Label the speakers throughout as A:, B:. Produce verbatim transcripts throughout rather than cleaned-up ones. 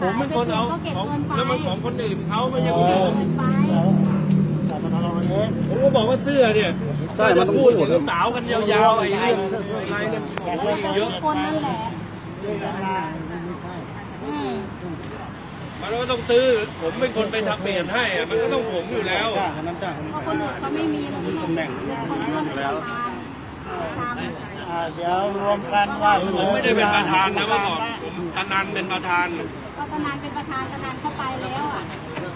A: ผมเป็นคนเอาของแล้วมันของคนอื่นเขาไม่ใช่ของผมผมก็บอกว่าเสื้อเนี่ยใช่มันพูดถึงสาวกันยาวๆไอ้เรื่องอะไรเนี่ยเยอะ
B: คนนั่นแหละ
A: มันก็ต้องซื้อผมเป็นคนไปทำเปลี่ยนให้มันก็ต้องผมอยู่แล้ว
B: เพราะคนอื่นเขาไม่มีตำแหน่งคนเรื่องแล้ว
C: เดี๋ยวรวมกันว่า
A: ผมไม่ได้เป็นประธานนะเมื่อก่อนผมธนันเป็นประธาน
B: ก็ธนันเป็นประธานธนันเข้าไปแล้วอ่ะ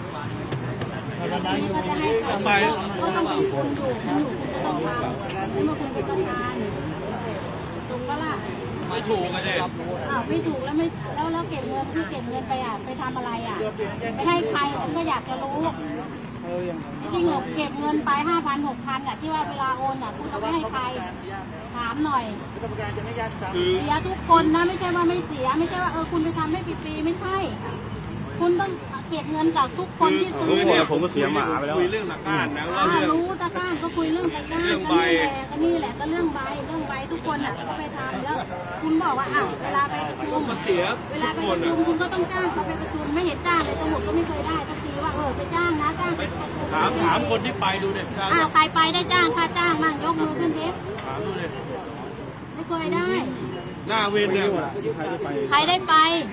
B: นี่ก็จะให้ใคร
A: ไป
B: ก็ต้องเป็นคุณอยู่คุณอยู่คุณจะต้องทำคุณมาคุณเป็นประธานถูกปะล่ะ
A: ไม่ถูกกันเลย
B: อ้าวไม่ถูกแล้วไม่แล้วแล้วเก็บเงินที่เก็บเงินไปอ่ะไปทำอะไรอ่ะไปให้ใครฉันก็อยากจะรู้ที่เงินเก็บเงินไปห้าพันหกพันอ่ะที่ว่าเวลาโอนอ่ะคุณเอาไปให้ใครถามหน่อยเสียทุกคนนะไม่ใช่ว่าไม่เสียไม่ใช่ว่าเออคุณไปทำให้ฟรีๆไม่ใช่คุณต้องเก็บเงินจากทุกคนที่ซื้อ
A: เนี่ยผมก็เสียหมาไปแล้วคุยเรื่องตะก้านนะว่าเรื่อง
B: รู้ตะก้านก็คุยเรื่องตะก้านก็นี่แหละก็นี่แหละก็เรื่องใบเรื่องใบทุกคนอ่ะก็ไปทำแล้วคุณบอกว่าอ้าวเวลาไปประชุม
A: มันเสีย
B: เวลาไปประชุมคุณก็ต้องจ้างเขาไปประชุมไม่เห็นจ้างเลยตำรวจก็ไม่เคยได้สักทีว่าเออไปจ้างนะจ้างไป
A: ถามถามคนที่ไปดูเนี่ย
B: อ้าวใครไปได้จ้างค่าจ้างมั่งยกมือขึ้นดิ
A: ถามดูเลย
B: ไม่เคยได้
A: หน้าเวรเนี่ย
B: ใครได้ไป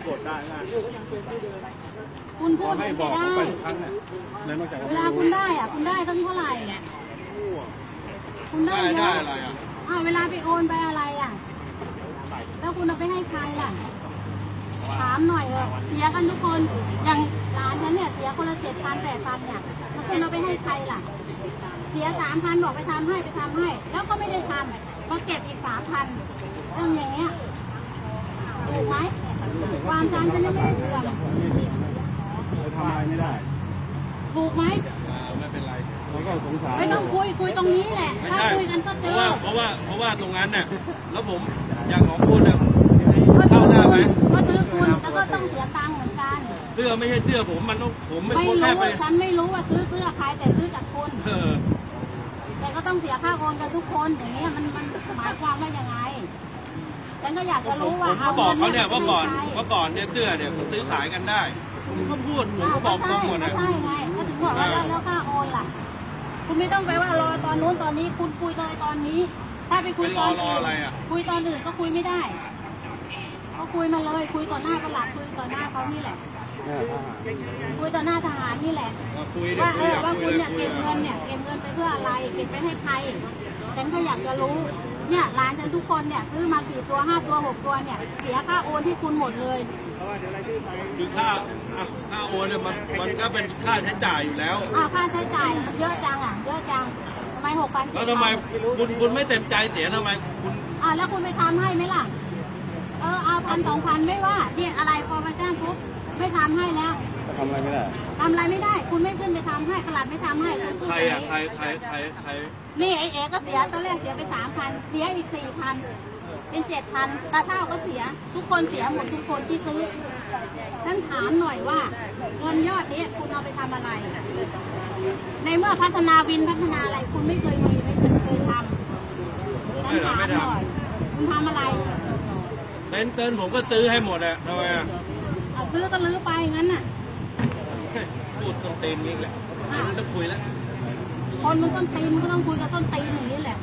B: คุณพูดไม่ได้เวลาคุณได้อ่ะคุณได้ตั้งเท่าไหร่เนี่ยคุณได้
A: ได้อะไรอ่ะ
B: อ้าวเวลาไปโอนไปอะไรอ่ะแล้วคุณเอาไปให้ใครล่ะถามหน่อยเออเสียกันทุกคนอย่างร้านนั้นเนี่ยเสียคนละเจ็ดพันแปดพันเนี่ยแล้วคุณเอาไปให้ใครล่ะเสียสามพันบอกไปทำให้ไปทำให้แล้วก็ไม่ได้ทำก็เก็บอีกสามพันเรื่องอย่างเงี้ยถูกไหมความจำจะไม่ได้เสื่อม
C: ทำอะไรไม่ได้
B: ถูกไหม
A: ไม่เป็นไร
C: เราก็สงสาร
B: ไม่ต้องคุยคุยตรงนี้แหละถ้าคุยกันก็เจอ
A: เพราะว่าเพราะว่าตรงนั้นเนี่ยแล้วผมอย่างของคุณเนี่ยเข้าได้ไหม
B: ก็ซื้อคุณแล้วก็ต้องเสียตังค์เหมือนกัน
A: เสื้อไม่ใช่เสื้อผมมันต้องผมไม่
B: รู้ฉันไม่รู้ว่าซื้อเสื้อใครแต่ซื้อจากคุณแต่ก็ต้องเสียค่าโอนกันทุกคนอย่างเงี้ยมันมันหมายความว่ายังไงฉันก็อยากจะรู้ว่า
A: ผมก็บอกเขาเนี่ยว่าก่อนว่าก่อนเนี่ยเสื้อเนี่ยซื้อขายกันได้ผมก็พูดผมก็บอกตรงหมดนะ
B: ใช่ไงก็ถึงบอกว่าแล้วค่าโอนล่ะคุณไม่ต้องไปว่ารอตอนนู้นตอนนี้คุณคุยเลยตอนนี้ถ้าไปคุยตอนอื่นคุยตอนอื่นก็คุยไม่ได้ก็คุยมาเลยคุยต่อหน้าประหลัดคุยต่อหน้าเขานี่แหละคุยต่อหน้าทหารนี่แหละว่าเออว่าคุณเนี่ยเก็บเงินเนี่ยเก็บเงินไปเพื่ออะไรเก็บไปให้ใครฉันก็อยากจะรู้เนี่ยร้านฉันทุกคนเนี่ยซื้อมาสี่ตัวห้าตัวหกตัวเนี่ยเสียค่าโอนที่คุณหมดเลย
A: คือค่าค่าโอนเนี่ยมันมันก็เป็นค่าใช้จ่ายอยู่แล้ว
B: อ่าค่าใช้จ่ายเยอะจังอ่ะเยอะจังทำไมหกพัน
A: แล้วทำไมคุณคุณไม่เต็มใจเสียทำไมคุณ
B: อ่าแล้วคุณไปทำให้ไหมล่ะเออเอาพันสองพันไม่ว่าเนี่ยอะไรพอมาจ้างปุ๊บไม่ทำให้แล้ว
C: ทำอะไรไม่ได้
B: ทำอะไรไม่ได้คุณไม่ขึ้นไปทำให้ตลาดไม่ทำให้
A: ใครอ่ะใครใครใครใคร
B: นี่ไอเอ๋ก็เสียตอนแรกเสียไปสามพันเสียอีกสี่พันเป็นเจ็ดพันตาเท่าก็เสียทุกคนเสียหมดทุกคนที่ซื้อนั่นถามหน่อยว่าเงินยอดนี้คุณเอาไปทำอะไรในเมื่อพัฒนาวินพัฒนาอะไรคุณไม่เคยมีไม่เคยทำนั่นถามหน่อยคุณทำอะไร
A: เต้นเต้นผมก็ซื้อให้หมดอะทำไมอะ
B: ซื้อก็ลื้อไปงั้นน่ะ
A: พูดต้นตีนนี่แหละไม่ต้องคุยแล้ว
B: คนมันต้นตีนก็ต้องคุยกับต้นตีนอย่างนี้แหละ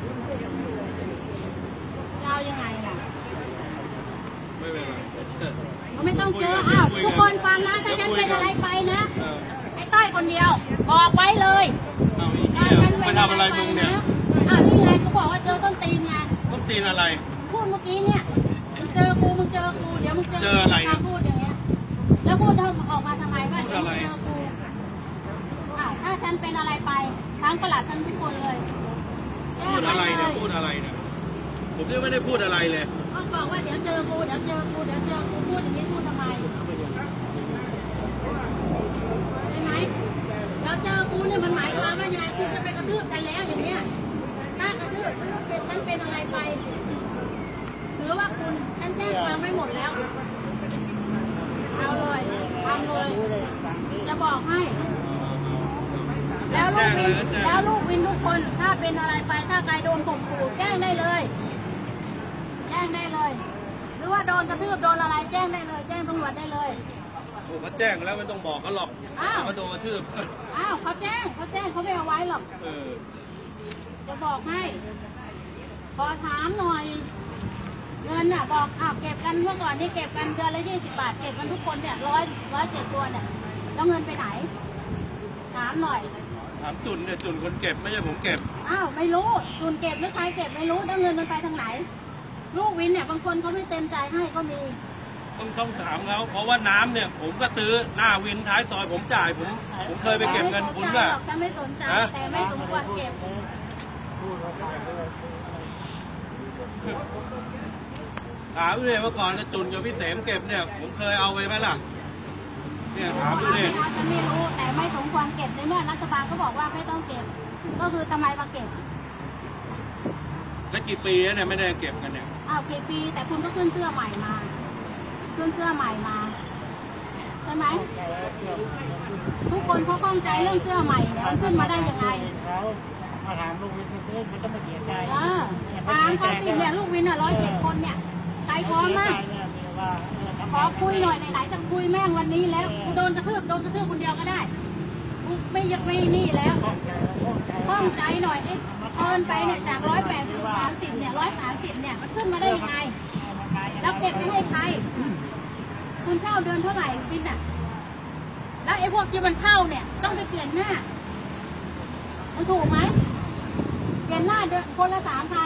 B: จะเอายังไงล่ะ
A: ไม่เป็นไร
B: ไม่ต้องเจออ้าวทุกคนฟังนะถ้าฉันเป็นอะไรไปนะไอ้ต้อยคนเดียวบอกไว้เลย
A: ถ้าฉันเป็นอะไรไปนะ
B: อ้าวนี่ไงก็บอกว่าเจอต้นตีนไง
A: ต้นตีนอะไร
B: พูดเมื่อกี้เนี่ยมึงเจอกูมึงเจอกูเดี๋ยวมึงเจอ
A: เจออะไร
B: พูดอย่างเงี้ยแล้วพูดออกมาทำไมว่าเดี๋ยวมึงเจอกูอ้าวถ้าฉันเป็นอะไรไปทั้งประหลัดทั้งทุกคนเลย
A: พูดอะไรเนี่ยพูดอะไรเนี่ยผมยังไม่ได้พูดอะไรเลย
B: ก็บอกว่าเดี๋ยวเจอกูเดี๋ยวเจอกูเดี๋ยวเจอกูพูดอย่างนี้พูดทำไมใช่ไหมเดี๋ยวเจอกูเนี่ยมันหมายความว่ายังไงคุณจะไปกระทืบกันแล้วอย่างเนี้ยถ้ากระทืบฉันเป็นอะไรไปถือว่าคุณฉันแจ้งความไม่หมดแล้วเอาเลยทำเลยจะบอกให้แล้วลูกวินแล้วลูกวินทุกคนถ้าเป็นอะไรไปถ้าใครโดนข่มขู่แจ้งได้เลยแจ้งได้เลยหรือว่าโดนกระทืบโดนอะไรแจ้งได้เลยแจ้งตำรวจได้เลย
A: เขาแจ้งแล้วไม่ต้องบอกเขาหรอก
B: อ้าว
A: เขาโดนกระทืบ
B: อ้าวเขาแจ้งเขาแจ้งเขาไม่เอาไว้หรอก
A: เออ
B: จะบอกให้ ขอถามหน่อย เงินน่ะบอกอ้าวเก็บกันเมื่อก่อนนี่เก็บกันเดือนละยี่สิบบาทเก็บกันทุกคนเนี่ยร้อยร้อยเจ็ดตัวเนี่ยแล้วเงินไปไหน ถามหน่อย
A: ถามจุนเนี่ยจุนคนเก็บไม่ใช่ผมเก็บ
B: อ้าวไม่รู้ส่วนเก็บหรือใครเก็บไม่รู้แล้วเงินมันไปทางไหน ลูกวินเนี่ยบางคนเขาไม่เต็มใจให้ก็มี
A: ต้องต้องถามเขาเพราะว่าน้ำเนี่ย ผมก็ตื้อหน้าวินท้ายซอยผมจ่ายผมผมเคยไปเก็บเงินคุณป่ะ
B: ฉันไม่สนใจ
A: ฮะ
B: แต่ไม่สมควรเก็บ
A: ถามดูเลยเมื่อก่อนนะจุนกับพี่เสมเก็บเนี่ย ผมเคยเอาไปไหมล่ะ เนี่ยถามดู
B: ไม่
A: ดิ
B: เอาฉันไม่รู้แต่ไม่สมควรเก็บในเมื่อรัฐบาลเขาบอกว่าไม่ต้องเก็บ ก็คือทำไมมาเก็บ
A: แล้วกี่ปีแล้วเนี่ยไม่ได้เก็บกันเนี่ย
B: อ้าวกี่ปีแต่คุณก็ขึ้นเสื้อใหม่มาขึ้นเสื้อใหม่มาใช่ไหมทุกคนเขาข้องใจเรื่องเสื้อใหม่เนี่ยมันขึ้นมาได้ยังไง
C: เขามาถามลูกวินเพื่อนมันก็ไม่เสียใจ
B: เออถามเขาสิเนี่ยลูกวินอ่ะร้อยเจ็ดคนเนี่ยใครพร้อมมาก ขอคุยหน่อยไหนๆจะคุยแม่งวันนี้แล้วกูโดนกระทืบโดนกระทืบคนเดียวก็ได้กูไม่ยกไม่นี่แล้วข้องใจหน่อยไอ้เอินไปเนี่ยจากร้อยแปดสิบสามสิบเนี่ยร้อยสามสิบเนี่ยมันขึ้นมาได้ยังไงแล้วเก็บไปให้ใครคุณเช่าเดือนเท่าไหร่บินอ่ะแล้วไอ้พวกที่มันเช่าเนี่ยต้องไปเปลี่ยนหน้ามันถูกไหมเปลี่ยนหน้าเดือนคนละสามพัน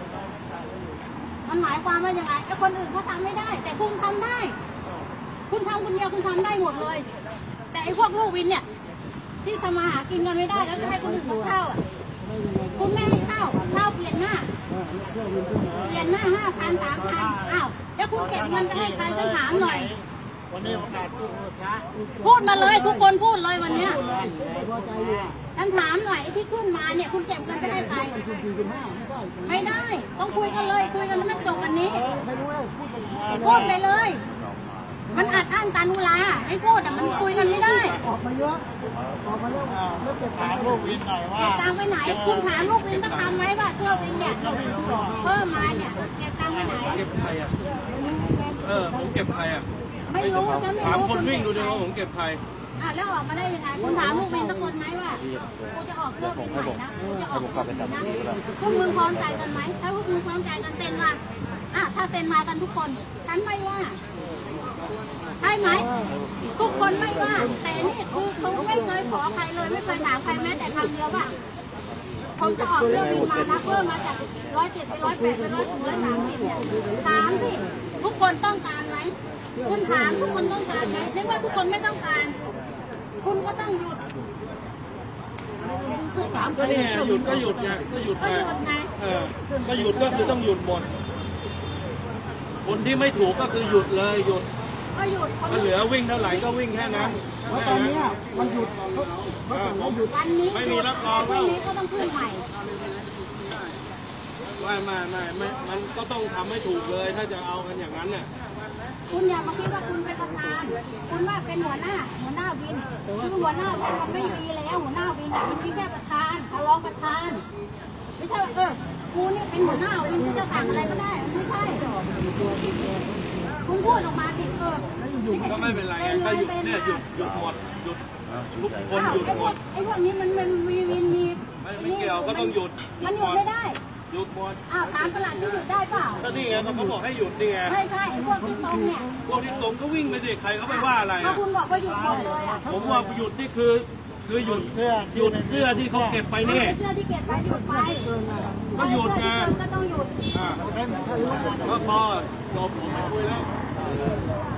B: มันหมายความว่ายังไงไอ้คนอื่นเขาทำไม่ได้ แต่คุณทำได้ คุณทำคนเดียวคุณทำได้หมดเลย แต่ไอ้พวกลูกวินเนี่ย ที่ทำมาหากินกันไม่ได้แล้วจะให้คนอื่นเขาเข้าอ่ะคุณไม่ให้เข้าเข้าเปลี่ยนหน้า เปลี่ยนหน้าห้าพันสามพันอ้าวแล้วคุณเก็บเงินจะให้ใครฉันถามหน่อย
C: วันนี้โอกาสพูดนะ
B: พูดมาเลยทุกคนพูดเลยวันเนี้ยฉันถามหน่อยไอ้ที่ขึ้นมาเนี่ยคุณเก็บเงินไปให้ใครไม่ได้ ต้องคุยกันเลยคุยกันแล้วไม่จบวันนี้พูดไปเลย มันอัดอั้นตานุลาไม่พูดแต่มันคุยกันไม่ได้
C: ออกมาเยอะออกมาเยอะแล้วเก็บถามลูกวินหน่อยว่า
B: เก็บตังค์ไปไหน คุณถามลูกวินก็ทำไหมว่าเสื้อวินเนี่ยเพิ่มมาเนี่ยเก็บตังค์ไปไหน
A: เก็บใครอ่ะ เออผมเก็บใครอ่ะ
B: ไม่รู้ฉันไม่รู้
A: ถามคนวิ่งดูดิว่าผมเก็บใคร
B: อ่ะแล้วออกมาได้ยังไงคุณถามลูกวินสักคนไหมว่ากูจะออกเสื้อวินใหม่นะกูจะออกเสื้อวินนะพวกมึงพร้อมใจกันไหมถ้าพวกมึงพร้อมใจกันเซ็นมาอ่ะถ้าเซ็นมากันทุกคนฉันไม่ว่าใช่ไหมทุกคนไม่ว่า แต่นี่คือเขาไม่เคยขอใครเลยไม่เคยถามใครแม้แต่คำเดียวว่าผมจะออกเรื่องวินมานะเพิ่มมาจากร้อยเจ็ดไปร้อยแปดไปร้อยถึงร้อยสามสิบเนี่ยถามสิทุกคนต้องการไหมคุณถามทุกคนต้องการไหมในเมื่อทุกคนไม่ต้องการ คุณก็ต้องหยุด
A: ก็นี่ไงหยุดก็หยุดไงก็หยุด
B: ก็
A: ไป
B: หยุดไง
A: เออก็หยุดก็คือต้องหยุดหมด คนที่ไม่ถูกก็คือหยุดเลยหยุด
B: ก็หยุด
A: ก็เหลือวิ่งเท่าไหร่ก็วิ่งแค่นั้น
C: แล้วตอนนี้มันหยุดเขา
A: เออผม
B: วันนี้
A: ไม่มีรับรอง
B: พ
A: แล้
B: รุ่
A: ว
B: งนี้ก็ต้องขึ้นใหม่
A: ไม่ไม่ไม่ไม่มันก็ต้องทำให้ถูกเลยถ้าจะเอากันอย่างนั้นเนี่ย
B: คุณอย่ามาคิดว่าคุณเป็นประธาน คุณว่าเป็นหัวหน้า หัวหน้าวินคือหัวหน้าวินมันไม่มีแล้ว หัวหน้าวินอ่ะมันมีแค่ประธานรองประธาน ไม่ใช่ว่าเออกูนี่เป็นหัวหน้าวินที่จะสั่งอะไรก็ได้มันไม่ใช่ คุณพูดออกมาสิเออ
A: ก็ไม่เป็นไรไงก็หยุดเนี่ยหยุดหยุดหมดหยุดทุกคนหยุด
B: ไอ้
A: ห
B: พ
A: ม
B: วก
A: ด
B: ไอ้พวกนี้มันมันมีวินมี
A: ไม่ไม่เกี่ยวก็ต้องหยุดหยุ
B: มัน
A: ด
B: ห
A: หม
B: ยุด
A: ด
B: ไม่ได้
A: หยุดหมด
B: อ้าวถามประหลัดที่หยุดได้เปล่า
A: ก็นี่ไงเขาบอกให้หยุดนี่ไง
B: ใช่ใช่ไอ้พวกที่ตรงเนี่ย
A: พวกที่ตรงก็วิ่งไปดิใครเขาไปว่าอะไร
B: ถ้า
A: อ่ะ
B: คุณบอกว่าหยุดหมดเลยอ่ะ
A: ผมว่าหยุดนี่คือคือหยุดหยุดเสื้อที่เขาเก็บไปนี่
B: เสื้อที่เก็บไปหยุดไป
A: ก็หยุดไง
B: ก็ต้องหยุด
A: อ่าก็พอจบผมไม่คุยแล้ว